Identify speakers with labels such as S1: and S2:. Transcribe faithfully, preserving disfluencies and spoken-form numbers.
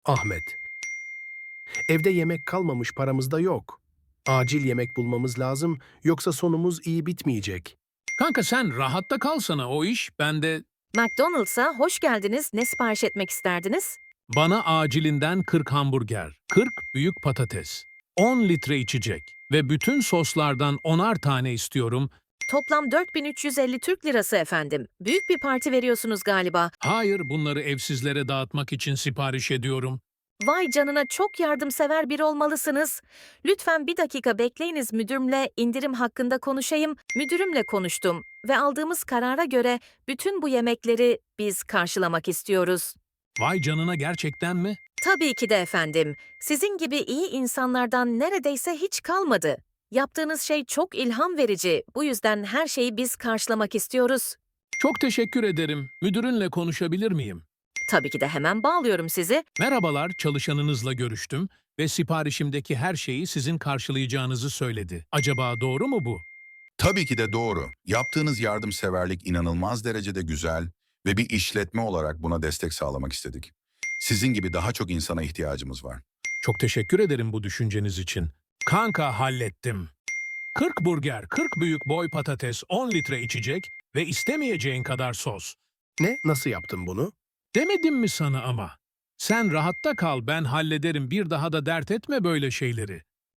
S1: Ahmet. Evde yemek kalmamış, paramız da yok. Acil yemek bulmamız lazım, yoksa sonumuz iyi bitmeyecek.
S2: Kanka sen rahatta kalsana, o iş bende.
S3: McDonald's'a hoş geldiniz. Ne sipariş etmek isterdiniz?
S2: Bana acilinden kırk hamburger, kırk büyük patates, on litre içecek ve bütün soslardan onar tane istiyorum.
S3: Toplam dört bin üç yüz elli Türk lirası efendim. Büyük bir parti veriyorsunuz galiba.
S2: Hayır, bunları evsizlere dağıtmak için sipariş ediyorum.
S3: Vay canına, çok yardımsever biri olmalısınız. Lütfen bir dakika bekleyiniz, müdürümle indirim hakkında konuşayım. Müdürümle konuştum ve aldığımız karara göre bütün bu yemekleri biz karşılamak istiyoruz.
S2: Vay canına, gerçekten mi?
S3: Tabii ki de efendim. Sizin gibi iyi insanlardan neredeyse hiç kalmadı. Yaptığınız şey çok ilham verici. Bu yüzden her şeyi biz karşılamak istiyoruz.
S2: Çok teşekkür ederim. Müdürünle konuşabilir miyim?
S3: Tabii ki de hemen bağlıyorum sizi.
S2: Merhabalar, çalışanınızla görüştüm ve siparişimdeki her şeyi sizin karşılayacağınızı söyledi. Acaba doğru mu bu?
S4: Tabii ki de doğru. Yaptığınız yardımseverlik inanılmaz derecede güzel ve bir işletme olarak buna destek sağlamak istedik. Sizin gibi daha çok insana ihtiyacımız var.
S2: Çok teşekkür ederim bu düşünceniz için. Kanka, hallettim. kırk burger, kırk büyük boy patates, on litre içecek ve istemeyeceğin kadar sos.
S1: Ne? Nasıl yaptın bunu?
S2: Demedim mi sana ama? Sen rahatta kal, ben hallederim, bir daha da dert etme böyle şeyleri.